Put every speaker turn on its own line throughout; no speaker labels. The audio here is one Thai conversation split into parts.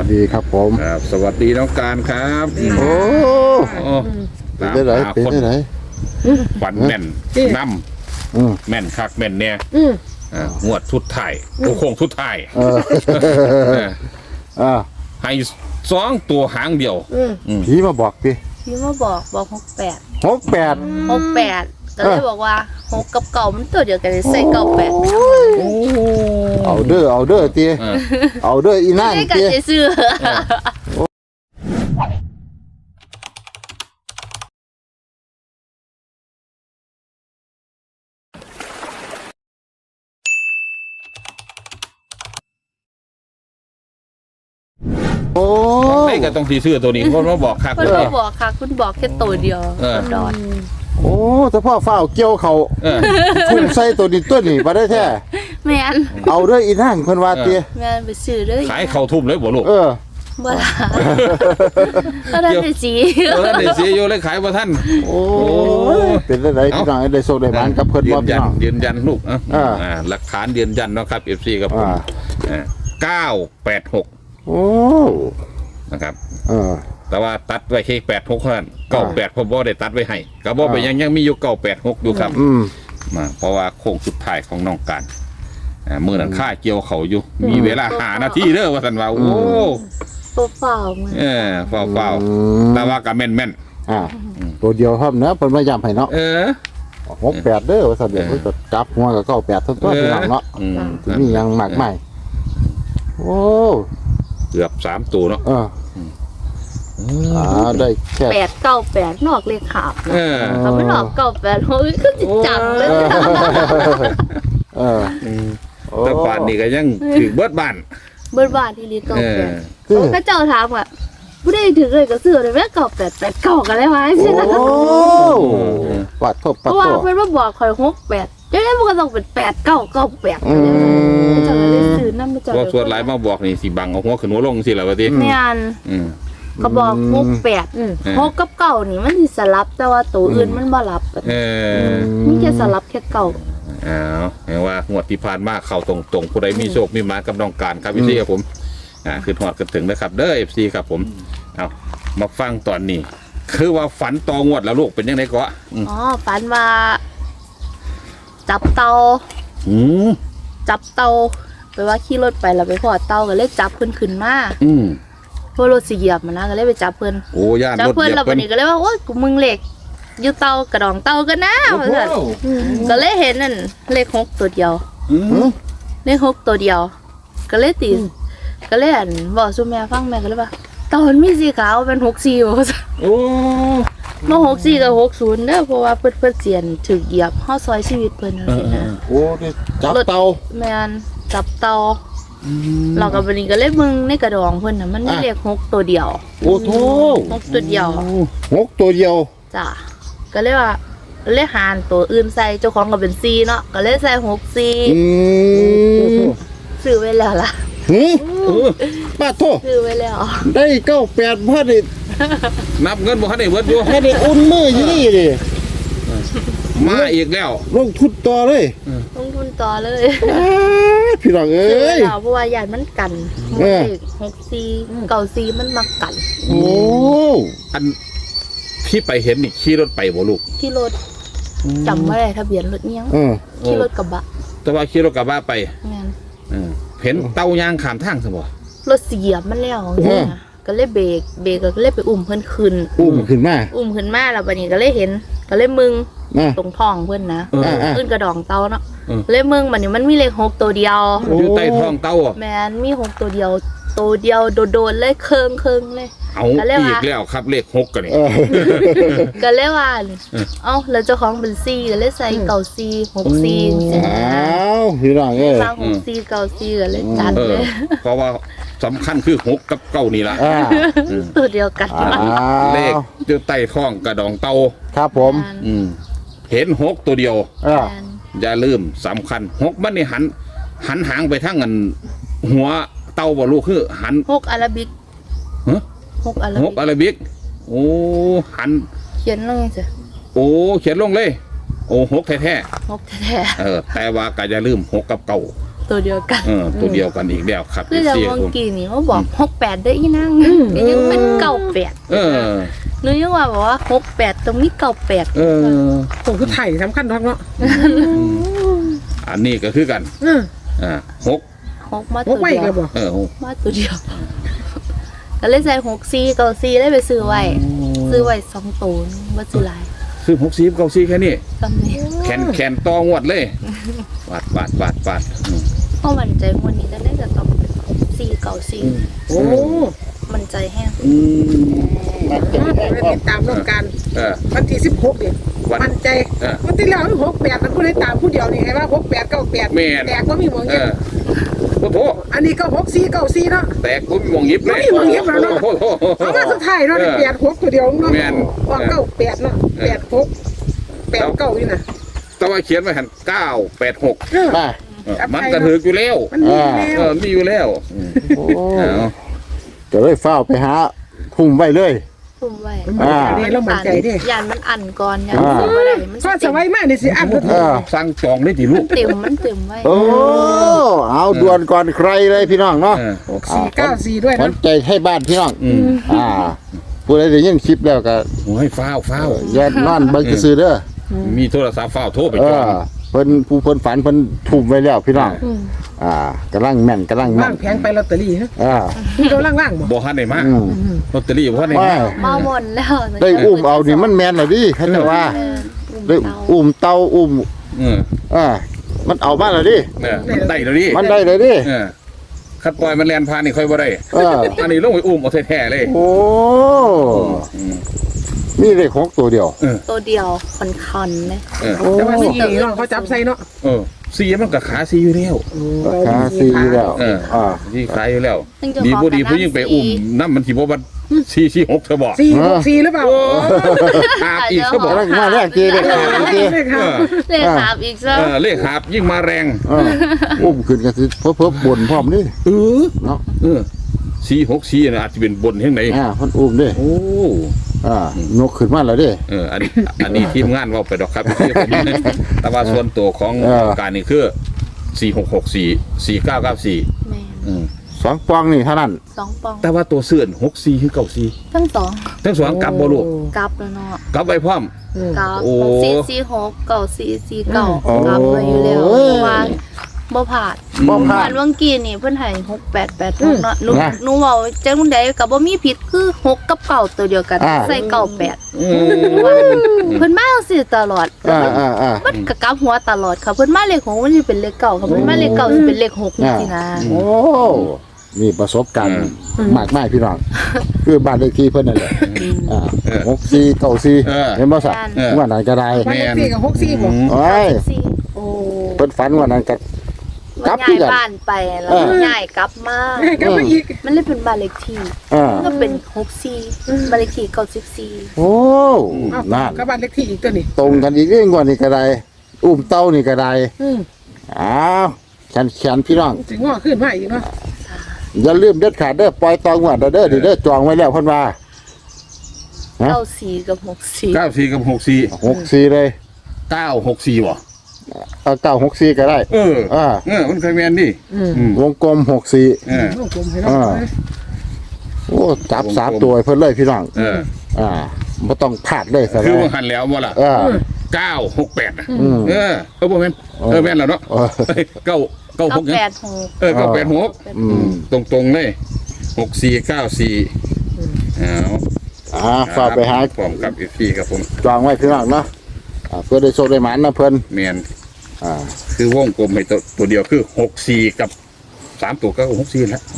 ดีครับผม
ครับสวัสดีน้องการครับ
โอ้เป็นได้ไหนเป็นได้ไหน
ฝันแม่นน้ำแม่นคักแม่นเนี่ยงวดทุดไทายโค้งทุดไทายให้2 ตัวหางเดียว
ผีมาบอกพี่
พี่มาบอก68
68
ก็เลยบอกว่า6กับเก่ามันตัวเดียวกันใส่98
เอาเด้อตีเอาเด้ออีนั่น
ตีกันจะซื้อ
โอ้
ไม่ก็ต้องซื้อตัวนี้เพราะว่าบอกคัก
คุณบอกค่ะคุณบอกแค่ตัวเดียวดอด
โอ้แต่พ่อฝ้าเกี่ยวเขาคุณใส่ตัวนี้ตัวนี้มาได้แท้
แม่น
เอาเด้ออีนั่นเพิ่นว่าตี
แม่นไปซื้อเด้อ
ขายเข้าทุ่มเลยบ่ลูก
บ่ล่ะก็ได้สี
อยู่เลยขายบ่ทัน
โอ้เป็นได้ไหนพี่น้องได้โชคได้หมานกับเพิ่นบ่พี่น้อง
ยืนยันลูกหลักฐานยืนยันเนาะครับ FC กับผม986
โอ้
นะครับแต่ว่าตัดไว้แค่86เท่านั้น98ผมบ่ได้ตัดไว้ให้ก็บ่ไปยังมีอยู่986อยู่ครับเพราะว่าโค้งสุดท้ายของน้องการมื้อนั้นค่าเกี่ยวเขาอยู่มีเวลา5 นาทีเด้อว่าซั่นว่าโอ้
เฝ้าๆ
เฝ้าแต่ว่าก็แม่น
ตัวเดียวครับเนาะเพิ่นมาย้ำให้เนาะ68เด้อว่าซั่นเดี๋ยวเพิ่นก็จับหัวก็98ทั้งตัวพี่น้องเนาะสิมีหยังมากมายโอ้
เกือบ3ตัวเนาะ
ได้แค่
898นอกเลขขาบถ้ามันออก98โอ้ยคือจิจังเลย
แต่ป่านนี้ก็ยังถึงเบิดบ้าน
ที่ลี98ก็เจ้าถามว่าผู้ใดถึงเลยก็ซื้อได้แม่9889กันเลยว่าใช่มั้ย
โอ้ปัดโทษ
เพราะว่าเพิ่นมาบอกข่อย68จังได๋มันก็ต้องเป็น8998เจ้าก็เลยซื้อนำเจ้า
บ่ส่วนหลายมาบอกนี่สิบังเอาหัวขึ้นหัวลงสิล่ะว่าติ
แม่นก็บอก68 6กับ9นี่มันสิสลับแต่ว่าตัวอื่นมันบ่รับมีแค่สลับแค่เก่า
เห็นว่างวดที่ผ่านมาเข้าตรงๆผู้ใดมีโชคมีหมากับน้องการครับพี่ครับผมคือหอดกันถึงนะครับเด้อ FC ครับผมเอามาฟังตอนนี้คือว่าฝันต่องวดแล้วลูกเป็นยังไงก็
ฝันว่าจับเตาไปว่าขี่รถไปแล้วไปพอเตาก็เลยจับขึ้นมาเพราะรถสิเหยียบมันนะก็เลยไปจับเพิ่นจับเพิ่นแล้ววันนี้ก็เลยว่าโอ๊ยกูมึงเหล็กอยู่เตากระดองเตากันนะก็เลยเห็นนั่นเลข6ตัวเดียวเลข6ตัวเดียวก็เลยตีก็เลยบอกซุแม่ฟังแม่ก็เลยว่าตอนมีสีขาวเป็น64ว่า
โอ้
มา64กับ60เด้อเพราะว่าเพิ่นเสียนถึกเหยียบเฮาซอยชีวิตเพิ่นจังซี่นะ
โอ้นี่จับเตา
แม่นจับเตาเราก็บัดนี้ก็เลยมึงในกระดองเพิ่นน่ะมันมีเลข6ตัวเดียว
โอ้โธ่
6ตัวเดียว
6ตัวเดียว
จ้ะก็เลยว่าเลยหารตัวอื่นใส่เจ้าของก็เป็น4เนาะก็เลยใส่64ซื้อไว้แล้วล่ะ
ป้าโทษ
ซื้อไว้แล้ว
ได้98บ่ได้
นับเงินบ่ทันได้เบิดอยู่
ให้ได้อุ่นมืออยู่นี่ดิ
มาอีกแล้ว
ลงทุนต่อเลยพี่น้องเอ้ย
เพราะว่าญาติมันกัน64 94มันมากัน
โอ้
อันที่ไปเห็นนี่ขี่รถไปบ่ลูก
ขี่รถจำไม่ได้ทะเบียนรถยังขี่รถกระบะ
แต่ว่าขี่รถกระบะไปเห็นเต้ายางขามทางซะบ่
รถเสียบมันแล้วก็เลยเบรกก็เลยไปอุ้มเพิ่นขึ้นมาแล้วบัดนี้ก็เลยเห็นก็เลยมึงตรงท้องเพิ่นนะขึ้นกระดองเต้าเนาะเลยมึงบัดนี้มันมีเลข6ตัวเดียว
อยู่ใต้ท้องเต้า
แม่นมี6ตัวเดียวโดดเลยเคิงเลย
เอาอีกแล้วครับเลข6กันนี่
ก็เลยว่าแล้วเจ้าของเป็น4ก็เลยใส่94 64
พี่น้องเอ้ย
64 94ก็เลยจัดเลย
เพราะว่าสำคัญคือ6กับ9นี่ล่ะ
ตัวเดียวกัน
เลขอยู่ใต้ท้องกระดองเต้า
ครับผม
เห็น6ตัวเดียวอย่าลืมสำคัญ6มันนี่หันหางไปทางอันหัวเต้าบ่ลูกคือหัน
6อาราบิก
6อาราบิกโอ้หัน
เขียนลงสิ
โอ้เขียนลงเลยโอ้6แท้
6แท้
แต่ว่าก็อย่าลืม6กับ9
ตัวเดียวกัน
ตัวเดียวกันอีกแล้วครับ
คือจะเมื่อกี้นี่เขาบอก68ได้อีนั่งยังเป็น98หนูยังว่าบอกว่า68ตรงนี้98
ผมคือไถ่สำคัญทักเนาะ
อันนี้ก็คือกัน6
มาตัวเดียวมาตัวเดียวก็เลยใส่64 94ได้ไปซื้อไว้2ตัวบ่ซื้อหลาย
ซื้อ64 94แค่นี้
ตำนี้
แขนตองวดเลยวาด
เพราะมันใจวันนี้ได้จะต้อง4 94
โอ้
มันใจแห้ง
ติดตามร่วมกันวันที่16เนี่ยมันใจวันที่แล้ว68มันผู้ได้ตามผู้เดียวนี่ไงว่า68 98แตกก็มีหมองเงี้ย
โอ้โห
อันนี้ก็64 94เนาะ
แตกก็มีหมองยิบเลย
มีหมองยิบแล้วเนาะเอามาสุดท้ายเนาะ86ตัวเดียวเนาะว่า98เนาะ86 89นี่นะ
แต่ว่าเขียนไว้หัน986มันกระถืออยู่แล้วมีอยู่แล้ว
จะเลยเฝ้าไปหาทุ่มไว้เลย
ทุ่มไว้
แล้วมันใจดิ
ยานมันอันก่อนยานมันบ่ได้มัน
ก็จะไว้มากนี่สิอัน
สั่งจองได้ติลูก
มันเต็มไว้
โอ้เอาด่วนก่อนใครเลยพี่น้องเนาะ
6494ด้วยนะ
มันใจให้บ้านพี่น้องผู้ใดได้ยินคลิปแล้วก็
ให้ฟ้าว
อย่านอนเบิ่งซื่อเด้อ
มีโทรศัพท์ฟ้าวโทรไปจอง
เพิ่นฝันเพิ่นทุ่มไว้แล้วพี่น้องกำลังแม่น
ว่างแพงไปลอตเตอรี่ฮะมีกำลังว่าง
บ่ทันได้มาลอตเตอรี่บ่ทันได้
มาหมดแล้ว
ได้อุ้มเอานี่มันแม่นแล้วดิเขาจะว่าได้อุ้มเต่าอุ้มมันเอามาแล้วดิ
มันได้แล้วดิ
มันได้เลยดิ
คัดปล่อยมันแล่นผ่านนี่ค่อยบ่ได้อันนี้ลงไปอุ้มเอาแท้ๆเลย
โอ้นี่เลขของตัวเดียว
คันๆเลย
แต่ว่า4เนาะเขาจับใส่เนาะ
4มันก็ขา4อยู่แล้ว
ขา4แล้ว
ที่ขายอยู่แล้วดีบ่ดีผู้ยิ่งไปอุ้มน้ำมันสิบ่บัด446เธอบอก
464หรือเปล่า
อีกเธอบอก
มาแรกทีเลข
หาบอีกซะ
เลขหาบยิ่งมาแรง
อุ้มขึ้นกันสิเพิ่มบนพร้อมนี่
เนาะ464น่ะอาจจะเป็นบนเฮ็ดไหน
เพิ่นอุ้มเด้โอ้นกขึ้นมาแล้วเด้
อันนี้ทีมงานเว้าไปดอกครับแต่ว่าส่วนตัวของการนี่คือ4664 4994
2ปองนี่เท่านั้น
2ปอง
แต่ว่าตัวเสื่อน64คือ94
ทั้ง
2กลับบ่ลูก
กลับแล้วเนาะ
กลับไปพร้อม
กลับ446 9449กลับไปอยู่แล้วว่าบ่ผ่านวังกี้นี่เพิ่นให้6886เนาะหนูเว้าจังได๋ก็บ่มีผิดคือ6กับ9ตัวเดียวกันใส่98เพิ่นมาจังซี่ตลอดมันก็กลับหัวตลอดค่ะเพิ่นมาเลข6มันสิเป็นเลข9ค่ะเพิ่นมาเลข9สิเป็นเลข6จังซี่นะ
โอ้นี่ประสบการณ์มากมายพี่น้องคือบ้านเลขที่เพิ่นนั่นแหละ6494เห็นบ่ซะว่าไหนก็ได้
บ้านเลขที่ก็64บ่
โอ้ยเพิ่นฝันว่านั้นก็
กลับบ้านไปแล้วย้ายกลับมา
อีก
มันเลยเป็นบ้านเลขที่ก็เป็น64บ้านเลขที่94
โอ้นั่น
ก็บ้านเลขที่อีกตัวนี้
ตรงกันอีกเรื่องกว่านี่ก็ได้อุ้มเต้านี่ก็ได้อ้าวฉันพี่น้อง
สิงอขึ้นมาอีกเนาะ
อย่าลืมเด็ดขาดเด้อปล่อยตองว่าเด้อจองไว้แล้วเพิ่นว่า
94กับ
64เลย
964บ่
964ก็ได้
มันเคยแม่นดิ
วงกลม64
วงกลมให้เนาะ
โอ้จับ3ตัวเพิ่นเลยพี่น้องบ่ต้องพลาดเลย
คือว่าหันแล้วบ่ล่ะ968บ่แม่นแม่นแล้วเนาะ986 986ตรงๆเลย6494
ฝากไปหา
พร้อมกับพี่ครับผม
จองไว้พี่น้องเนาะเพื่อได้โชคได้หมานนะเพิ่น
แม่นคือวงกลมให้ตัวเดียวคือ64กับ3ตัวก็64แล้ว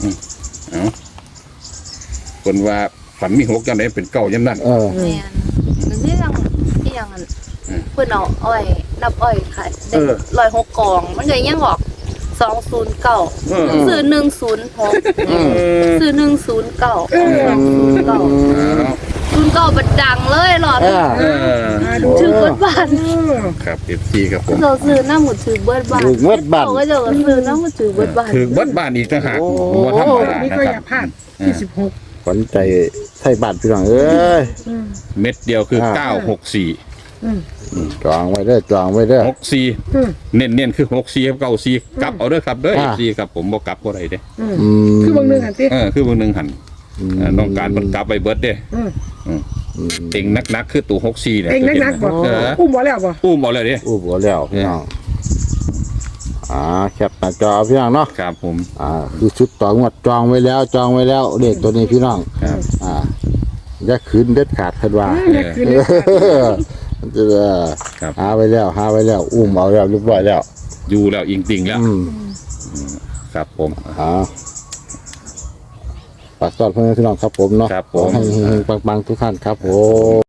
คนว่าฝันมี6จังได๋เป็น9จังนั้น
แม่นที่ยังเพิ่นเอาอ้อยนับอ้อยขายได้106กล่องมันก็ยังออก209ซื้อ106ซื้อ109 09บัดดังเลยหลอดถือเบิดบ้าน
ครับ FC ครับผม
เราซื้อน้ำหมูถือเบิดบ้านก็จะซื้อน้ำหมูถือเบิดบ้าน
ถือเบิดบ้านอีกต่างหากบ่ธรรมดา
นี่ก็อย่าพลาด26
ขวัญใจไทยบ้านพี่น้องเอ้ย
เม็ดเดียวคือ964
จองไว้เด้อจองไว้เด้อ
64เน้นๆคือ64กับ94กลับเอาเด้อครับเด้อ FC ครับผมบ่กลับบ่ได้เด้
คือบางหนึ่งหันติ
คือบางนึงหันน้องการมันกลับไปเบิดเด้เต็งนักๆคือตู่64เนี่ย
เองนักๆบ่อุ้มบ่แล้วบ่
อุ้มบ่เลยเด้
อู้บ่แล้วพี่น้องแคปหน้าจอพี่น้องเนาะ
ครับผม
ดูชุดต่องวดจองไว้แล้วเลขตัวนี้พี่น้อง
ครับ
อย่าคืนเด็ดขาดคันว่า
คือเลย
ครับ
หาไว้แล้วอุ้มเอาแล้วเรียบร้อยแล้ว
อยู่แล้วอิงติ่งแล้ว ครับผม
ฝากต้อนเพื่อนพี่น้องครับผมเนาะ
ครับผม
ขอให้เฮงๆปังๆทุกท่านครับผม